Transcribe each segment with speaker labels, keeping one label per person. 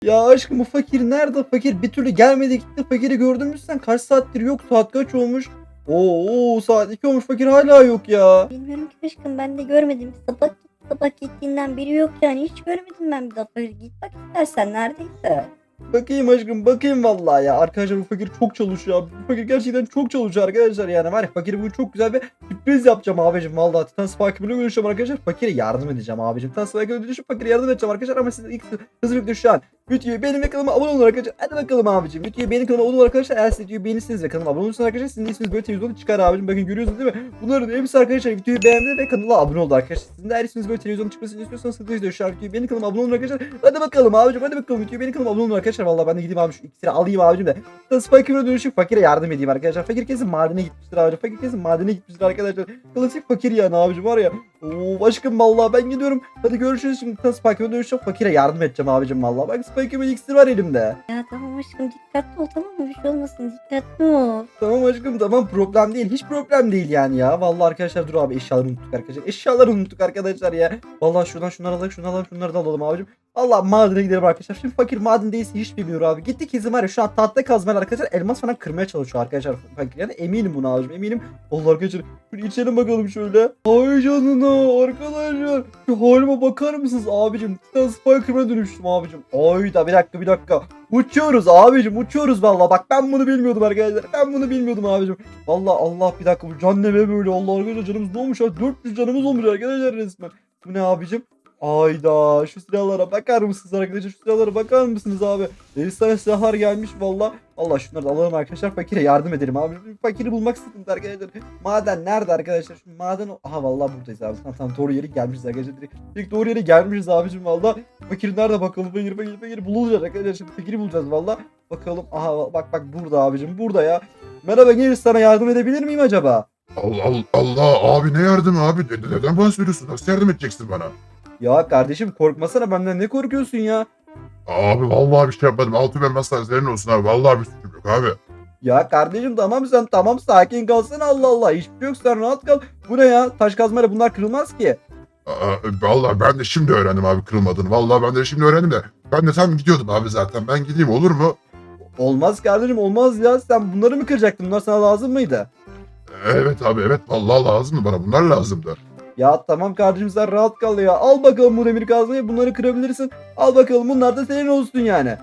Speaker 1: Ya aşkım bu fakir nerede? Fakir bir türlü gelmedi gitti. Fakiri gördün mü sen? Kaç saattir yok? Saat kaç olmuş? Oo saat 2 olmuş. Fakir hala yok ya.
Speaker 2: Bilmiyorum ki aşkım, ben de görmedim. Sabah gittiğinden biri yok yani, hiç görmedim ben bir daha. Böyle git bak istersen neredeyse.
Speaker 1: Bakayım aşkım bakayım vallahi ya. Arkadaşlar bu fakir çok çalışıyor abi. Bu fakir gerçekten çok çalışıyor arkadaşlar yani. Var ya fakir bugün çok güzel bir sürpriz yapacağım abicim. Vallahi Titan Spike'ı bile görüşeceğim arkadaşlar. Fakire yardım edeceğim abicim. Titan Spike'ı dönüşüp fakire yardım edeceğim arkadaşlar. Ama siz ilk hızlı bir şu an videoyu benim ve kanalıma abone olun arkadaşlar. Hadi bakalım abicim. Videoyu benim kanalıma abone olun arkadaşlar. Eğer siz videoyu beğenirseniz ve kanalıma abone olursanız arkadaşlar sizin de isminiz böyle televizyonda çıkar abicim. Bakın görüyorsunuz değil mi? Bunların hepsi arkadaşlar videoyu beğendi ve kanala abone oldu arkadaşlar. Sizin de eğer isminiz böyle televizyonda çıkmasını istiyorsanız hızlı şu an videoyu benim kanalıma abone olun arkadaşlar. Hadi bakalım abicim, hadi bakalım videoyu benim kanalıma abone olun arkadaşlar. Vallahi ben de gideyim abi şu iksiri alayım abicim de. Spike'ımla dönüşüp fakire yardım edeyim arkadaşlar. Fakir kesin madene gitmiştir abicim. Fakir kesin madene gitmiştir arkadaşlar. Klasik fakir yani abicim var ya. Oo aşkım vallahi ben gidiyorum. Hadi görüşürüz şimdi. Spike'ımla dönüşüp fakire yardım edeceğim abicim vallahi. Bak Spike'ımın iksiri var elimde.
Speaker 2: Ya tamam aşkım, dikkatli ol, tamam mı? Bir şey olmasın, dikkatli ol.
Speaker 1: Tamam aşkım tamam, problem değil. Hiç problem değil yani ya. Vallahi arkadaşlar dur abi, eşyaları unuttuk arkadaşlar. Eşyaları unuttuk arkadaşlar ya. Vallahi şuradan şunları alalım, şunları alalım, şunları da alalım abicim. Allah madene gidelim arkadaşlar. Şimdi fakir madendeyse hiç bilmiyor abi. Gitti kesin var ya şu an tahta kazmayla arkadaşlar elmas falan kırmaya çalışıyor arkadaşlar fakir. Yani eminim buna abicim, eminim. Allah arkadaşlar şöyle içelim bakalım şöyle. Ay canına arkadaşlar. Şu halime bakar mısınız abicim? Titan Spiker'ına dönüştüm abicim. Ay da bir dakika. Uçuyoruz abicim, uçuyoruz vallahi. Bak ben bunu bilmiyordum arkadaşlar. Ben bunu bilmiyordum abicim. Vallahi Allah bir dakika, bu can ne be böyle. Allah arkadaşlar canımız ne olmuş ya? 400 canımız olmuş arkadaşlar resmen. Bu ne abicim? Ayda şu silahlara bakar mısınız arkadaşlar? Şu silahlara bakar mısınız abi? Efsane silahlar gelmiş valla. Allah şunları da alalım arkadaşlar. Fakire yardım edelim abi. Fakiri bulmak sıkıntı arkadaşlar. Maden nerede arkadaşlar? Şu maden aha vallahi buradayız abi. Tamam doğru yere gelmişiz arkadaşlar. Direkt doğru yere gelmişiz abicim valla. Fakir nerede bakalım? Fakir bulacağız arkadaşlar. Şimdi fakiri bulacağız valla. Bakalım aha bak burada abicim, burada ya. Merhaba genç, sana yardım edebilir miyim acaba?
Speaker 3: Allah Allah Allah abi, ne yardım abi? Neden bahsediyorsun? Nasıl yardım edeceksin bana?
Speaker 1: Ya kardeşim korkmasana, benden ne korkuyorsun ya?
Speaker 3: Abi vallahi bir şey yapmadım. Altı ben masal senin olsun abi. Vallahi bir suçum yok abi.
Speaker 1: Ya kardeşim tamam, sen tamam sakin kalsana, Allah Allah, hiçbir şey yok, sen rahat kal. Bu ne ya, taş kazmayla bunlar kırılmaz ki.
Speaker 3: Vallahi ben de şimdi öğrendim abi kırılmadığını. Vallahi ben de şimdi öğrendim de. Ben de tam gidiyordum abi zaten. Ben gideyim olur mu?
Speaker 1: Olmaz kardeşim, olmaz ya, sen bunları mı kıracaktın, bunlar sana lazım mıydı?
Speaker 3: Evet abi evet. Vallahi lazımdı bana. Bunlar lazımdı.
Speaker 1: Ya tamam kardeşim, sen rahat kal ya, al bakalım bu demir kazmayı, bunları kırabilirsin. Al bakalım, bunlar da senin olsun yani.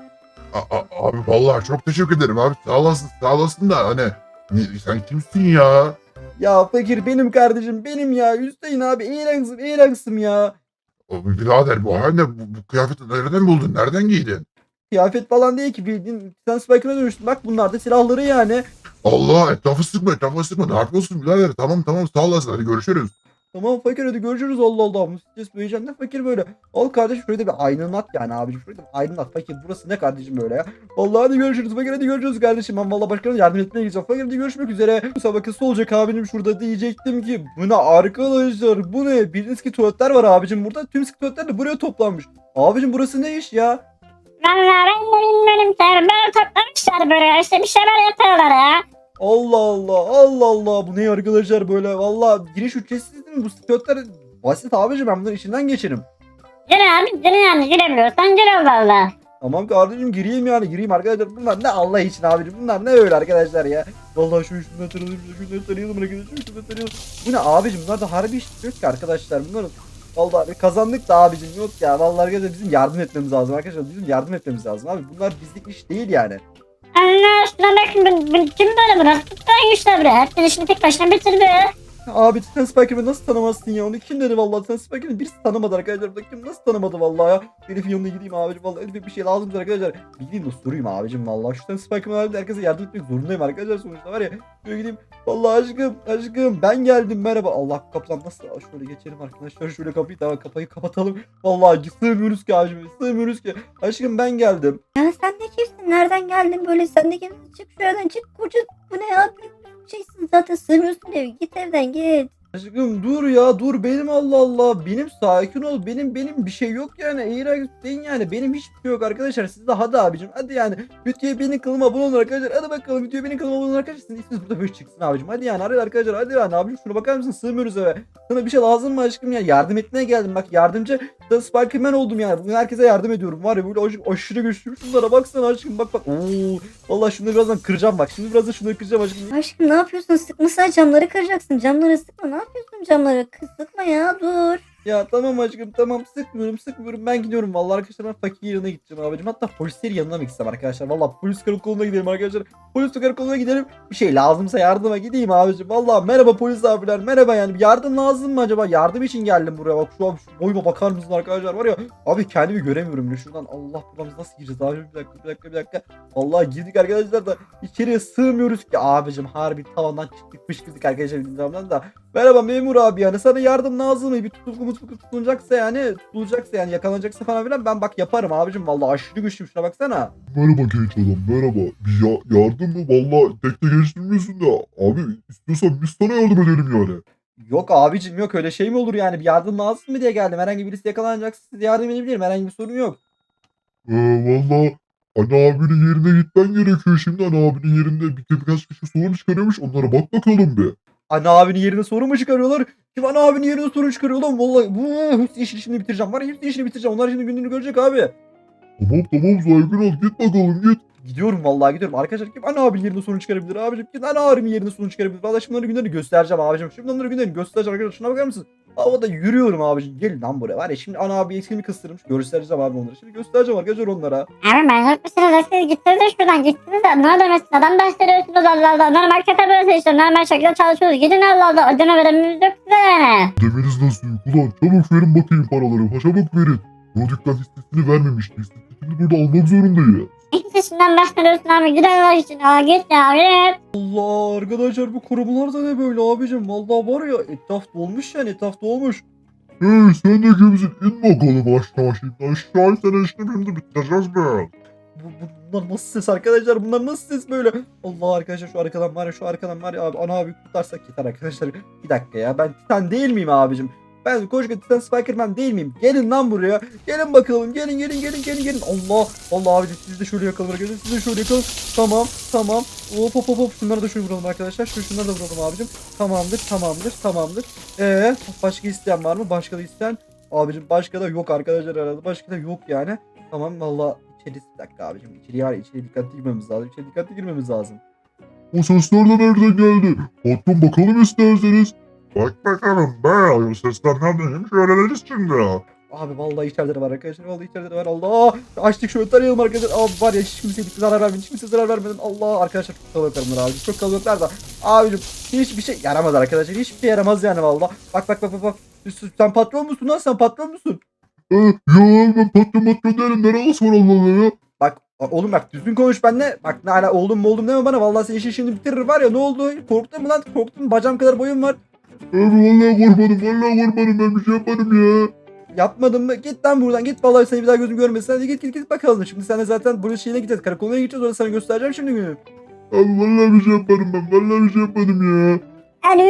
Speaker 3: Abi vallahi çok teşekkür ederim abi. Sağ olasın da hani sen kimsin ya?
Speaker 1: Ya fakir benim kardeşim, benim ya, Hüseyin abi, eğlensin ya.
Speaker 3: Birader bu halde bu kıyafeti nereden buldun? Nereden giydin?
Speaker 1: Kıyafet falan değil ki, bildiğin sen Spike'ına dönüştün, bak bunlar da silahları yani.
Speaker 3: Allah, etrafı sıkma. Ne yapıyorsun birader? Tamam sağ olasın. Hadi görüşürüz.
Speaker 1: Tamam fakir, hadi görüşürüz, Allah Allah. Bu stres büyüyeceğim de fakir böyle. Al kardeşim şurada bir aydınlat yani abicim. Şurada bir aydınlat fakir. Burası ne kardeşim böyle ya. Vallahi hadi görüşürüz fakir, hadi görüşürüz kardeşim. Ben vallahi başkalarına yardım etmeye gideceğim. Fakir hadi görüşmek üzere. Bu sabah olacak abicim şurada, diyecektim ki. Bu ne arkadaşlar, bu ne? Bildiğiniz ki tuvaletler var abicim burada. Tüm tuvaletler de buraya toplanmış. Abicim burası ne iş ya?
Speaker 4: Vallahi ben de bilmiyorum ki. Böyle toplamışlar böyle. İşte bir şeyler yapıyorlar ya.
Speaker 1: Allah Allah, Allah Allah, bu ne arkadaşlar böyle. Vallahi giriş ücretsiz değil mi? Bu tuvaletler basit abicim, ben bunların içinden geçerim.
Speaker 4: Gir abi gir yani, girebiliyorsan gir Allah Allah.
Speaker 1: Tamam kardeşim, gireyim yani, gireyim arkadaşlar. Bunlar ne Allah için abicim, bunlar ne öyle arkadaşlar ya. Vallahi şundan tanıyalım, şundan tanıyalım arkadaşlar, şundan tanıyalım. Bu ne abicim, bunlar da harbi iş yok ki arkadaşlar bunların. Vallahi kazandık da abicim, yok ya. Vallahi arkadaşlar bizim yardım etmemiz lazım arkadaşlar, bizim yardım etmemiz lazım abi. Bunlar bizlik iş değil yani.
Speaker 4: Allah aşkına bakın kim böyle bıraktı? Tuttan güçler buraya. Herkes işini tek başına bitirdi.
Speaker 1: Abi Titan Spiker'ı nasıl tanımazsın ya? Onu kim dedi vallahi? Titan Spiker'ı birisi tanımadı arkadaşlar. Burada kim nasıl tanımadı vallahi ya? Elif'in yanına gideyim abicim vallahi. Elif'e bir şey lazımdır arkadaşlar. Gideyim de sorayım abicim vallahi. Şu Titan Spiker'ı herkese yardım etmek zorundayım arkadaşlar sonuçta var ya. Şöyle gideyim. Vallahi aşkım ben geldim, merhaba. Allah kapıdan nasıl? Şöyle geçelim arkadaşlar. Şöyle kapıyı, tamam kapıyı kapatalım. Vallahi sığmıyoruz ki abicim. Sığmıyoruz ki. Aşkım ben geldim.
Speaker 2: Ya sen de kimsin? Nereden geldin böyle? Sen de kimsin? Çık şuradan, çık koca. Bu ne ya? Büyük bir şeysin zaten, sığmıyorsun eve. Git evden git.
Speaker 1: Aşkım dur ya dur benim Allah Allah. Benim sakin ol. Benim bir şey yok yani. Eğer değil yani. Benim hiçbir şey yok arkadaşlar. Siz de hadi abicim. Hadi yani. Videoya benim kılıma abone olun arkadaşlar. Hadi bakalım videoya benim kılıma abone olun arkadaşlar. Sizin isminiz burada böyle çıksın abicim. Hadi yani. Hadi arkadaşlar. Hadi yani abicim. Şuna bakar mısın? Sığmıyoruz eve. Sana bir şey lazım mı aşkım ya? Yardım etmeye geldim. Bak yardımcı da Spiderman oldum yani. Bugün herkese yardım ediyorum. Var ya böyle aşırı güçlüyüm. Şunlara baksana aşkım. Bak bak. Oo. Vallahi şunları birazdan kıracağım bak. Şimdi birazdan şunları kıracağım aşkım.
Speaker 2: Aşkım ne yapıyorsun? Sıkmasana camları kıracaksın. Camları sıkma. Ne yapıyorsun camları? Kız sıkma ya dur.
Speaker 1: Ya tamam aşkım tamam sıkmıyorum ben gidiyorum vallahi arkadaşlar ben fakir yanına gideceğim abicim hatta polislerin yanına mı gitsem arkadaşlar vallahi polis karakoluna gidelim arkadaşlar polis karakoluna gidelim bir şey lazımsa yardıma gideyim abicim vallahi merhaba polis abiler merhaba yani bir yardım lazım mı acaba yardım için geldim buraya bak şu an şu boyuma bakar mısın arkadaşlar var ya abi kendimi göremiyorum bile şuradan Allah buramız nasıl gireceğiz abi bir dakika vallahi girdik arkadaşlar da içeriye sığmıyoruz ki abicim harbi tavandan çıktıkmış girdik arkadaşlar bildiğimden da merhaba memur abi yani sana yardım lazım mı? Bir tutulgu tutulacaksa yani yakalanacaksa falan filan ben bak yaparım abicim vallahi aşırı güçlüyüm şuna baksana.
Speaker 3: Merhaba genç adam merhaba. Bir yardım mı? Valla tek de geçtirmiyorsun da. Abi istiyorsan biz sana yardım edelim yani.
Speaker 1: Yok abicim yok öyle şey mi olur yani bir yardım lazım mı diye geldim herhangi birisi yakalanacaksa size yardım edebilirim herhangi bir sorun yok.
Speaker 3: Valla Ana abinin yerine gitmen gerekiyor şimdi. Ana abinin yerinde birkaç kişi sorun çıkarıyormuş. Onlara bak bakalım bir.
Speaker 1: Ana abinin yerine sorun mu çıkarıyorlar? Kim ana abinin yerine sorun çıkarıyor lan vallahi bu hepsi işini şimdi bitireceğim var ya hepsi işini bitireceğim onlar şimdi gününü görecek abi.
Speaker 3: Tamam saygın ol git bakalım git.
Speaker 1: Gidiyorum vallahi gidiyorum. Arkadaşlar kim ana abinin yerine sorun çıkarabilir abicim? Kim ana abinin yerine sorun çıkarabilir? Vallahi şimdi onların günlerini göstereceğim abicim. Şimdi onların günlerini göstereceğim arkadaşlar. Şuna bakar mısın? Havada yürüyorum abicim. Gelin lan buraya. Var ya şimdi ana abi eksilimi kıstırmış. Göstereceğim abi onları. Şimdi göstereceğim arkadaşlar onlara.
Speaker 4: Abi manyak mısınız? Siz gittiniz de şuradan gittiniz de. Ne demesin? Adam bahsediyorsunuz Allah Allah. Normal kötü burası işte. Normal şekilde çalışıyoruz. Gidin Allah Allah. Ödeme verememiz yok size yani.
Speaker 3: Demeniz nasıl yok ulan? Çabuk verin bakayım paraları. Çabuk verin. Prodükten listesini vermemişti. Listesini burada almak zorundayız.
Speaker 4: İkisinden bahsediyorsun abi. Gidin Allah için. Aa git ya git.
Speaker 1: Allah arkadaşlar bu korumalar da ne böyle abicim? Vallahi var ya etraf dolmuş yani etraf dolmuş.
Speaker 3: Hey sen de kimsin? İn bakalım aşağı şimdi. Aşağı sen işte şimdi bitireceğiz be.
Speaker 1: Bunlar nasıl ses arkadaşlar? Bunlar nasıl ses böyle? Allah arkadaşlar şu arkadan var ya abi ana abi kurtarsak yeter arkadaşlar. Bir dakika ya ben Titan değil miyim abicim? Ben koca Titan Spiderman değil miyim? Gelin lan buraya. Gelin bakalım. Gelin. Allah abicim siz de şöyle yakalın arkadaşlar. Siz de şöyle yakalın. Tamam. Hop. Şunları da şöyle vuralım arkadaşlar. Şunları da vuralım abicim. Tamamdır. Başka isteyen var mı? Başka da isteyen. Abicim başka da yok arkadaşlar herhalde. Başka da yok yani. Tamam valla içeri bir dakika abicim. İçeri dikkatli girmemiz lazım.
Speaker 3: O sesler de nereden geldi? Patron bakalım isterseniz. Bak bakalım be. O sesler neredeymiş öğreniriz şimdi.
Speaker 1: Abi vallahi içeride var arkadaşlar. Allah. Açtık şöyle tarayalım arkadaşlar. Abi var ya hiç kimseye zarar vermedin. Hiç kimseye zarar vermedin. Allah arkadaşlar çok kalabalıklar bunlar abi. Çok kalabalıklar da. Abicim hiçbir şey yaramaz arkadaşlar. Hiçbir şey yaramaz yani valla. Bak. Sen patron musun lan? Sen patron musun?
Speaker 3: Ya ben patron değilim. Neresi var Allah Allah ya?
Speaker 1: Bak oğlum bak düzgün konuş benimle. Bak ne hala oğlum deme bana. Vallahi senin işin şimdi bitirir var ya. Ne oldu? Korktun mu lan? Korktun mu? Bacağım kadar boyum var.
Speaker 3: Abi vallahi korkmadım. Ben bir şey yapmadım ya.
Speaker 1: Yapmadın mı? Git lan buradan. Git vallahi seni bir daha gözüm görmesin. Hadi git bakalım. Şimdi sen de zaten buraya şeyine gideceğiz. Karakoluna gideceğiz. Orada sana göstereceğim şimdi günü.
Speaker 3: Abi vallahi bir şey yapmadım ben. Vallahi bir şey yapmadım ya.
Speaker 4: Alo.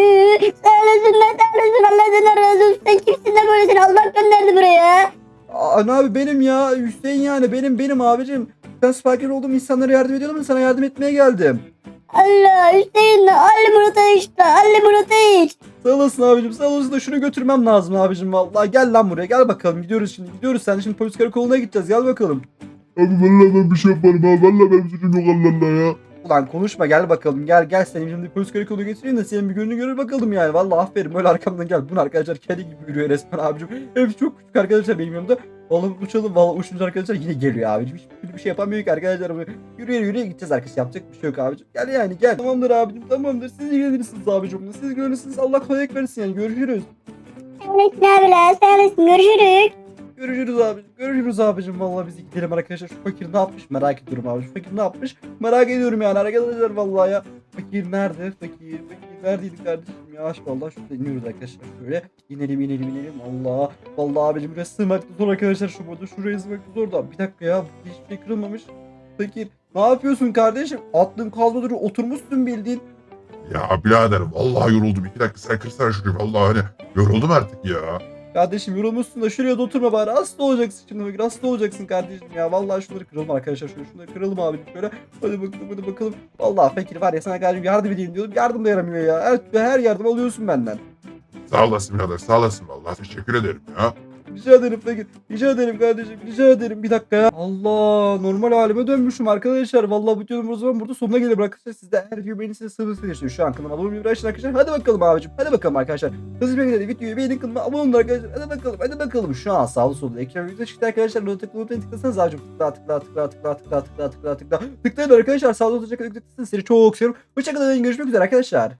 Speaker 4: Sağ olasın Allah seni razı olsun. Sen kimsin de böyle seni Allah gönderdi buraya.
Speaker 1: Ana abi benim ya. Hüseyin yani benim abicim. Sen Spiker oldum insanlara yardım ediyordum da sana yardım etmeye geldim.
Speaker 4: Allah Hüseyin Ali Murat'a işte. Ali Murat'a iç.
Speaker 1: Sağ olasın abicim sağ olasın da şunu götürmem lazım abicim vallahi. Gel lan buraya gel bakalım gidiyoruz şimdi. Sen şimdi polis karakoluna gideceğiz gel bakalım.
Speaker 3: Abi vallahi ben bir şey yapmadım ha. Vallahi benim suçum yok Allah Allah ya.
Speaker 1: Ulan konuşma gel bakalım gel seni şimdi polis karakoluna getireyim de senin bir gününü görür bakalım yani. Vallahi aferin böyle arkamdan gel. Bunu arkadaşlar kedi gibi yürüyor resmen abicim. Hepsi çok küçük arkadaşlar benim yanımda. Vallahi uçalım vallahi uçunca arkadaşlar yine geliyor abicim. Hiçbir şey yapamıyor ki arkadaşlar. Yürüye gideceğiz arkadaşlar yapacak bir şey yok abicim. Gel yani gel. Tamamdır abicim tamamdır. Siz ilgilenirsiniz abicim. Siz ilgilenirsiniz Allah kolaylık versin yani görüşürüz.
Speaker 4: Sağ olasın abiler. Sağ olasın. Görüşürüz.
Speaker 1: Görüşürüz abicim. Vallahi biz gidelim arkadaşlar. Şu fakir ne yapmış merak ediyorum abi. Şu fakir ne yapmış merak ediyorum yani arkadaşlar vallahi ya. Fakir nerede? Fakir neredeydi kardeşim ya? Vallahi şurada iniyoruz arkadaşlar. Şöyle inelim. Allah. Vallahi abicim burası sığmakta zor arkadaşlar şu burada. Şuraya sığmakta zor da. Bir dakika ya. Hiçbir şey kırılmamış. Fakir ne yapıyorsun kardeşim? Aklın kalmadı oturmuşsun bildiğin.
Speaker 3: Ya birader vallahi yoruldum. 2 dakika sen kırsana şunu. Vallahi hani yoruldum artık ya.
Speaker 1: Kardeşim yorulmuşsun da şuraya da oturma bari. Hasta olacaksın şimdi fakir. Hasta olacaksın kardeşim ya. Vallahi şunları kıralım arkadaşlar. Şunları kıralım abi şöyle. Hadi bakalım. Vallahi fakir var ya sana kardeşim yardım edeyim diyordum. Yardım da yaramıyor ya. Her yardım alıyorsun benden.
Speaker 3: Sağ olasın birader sağ olasın vallahi teşekkür ederim ya.
Speaker 1: Rica ederim fakir. Rica ederim kardeşim. Rica ederim. Bir dakika ya. Allah normal halime dönmüşüm arkadaşlar. Vallahi bu videonun o zaman burada sonuna gelir arkadaşlar. Siz de her video beğenirseniz sıvı şu an kanalıma abone olmayı bırakın arkadaşlar. Hadi bakalım abicim. Hadi bakalım arkadaşlar. Hızlı bir şekilde videoyu beğenin kanalıma abone olun arkadaşlar. Hadi bakalım. Hadi bakalım. Şu an sağlı solda ekran video çıktı arkadaşlar. Notu tıklasanız abicim. Tıklayın arkadaşlar. Sağlı solda tıklayın. Seni çok seviyorum. Hoşçakalın. Görüşmek üzere arkadaşlar.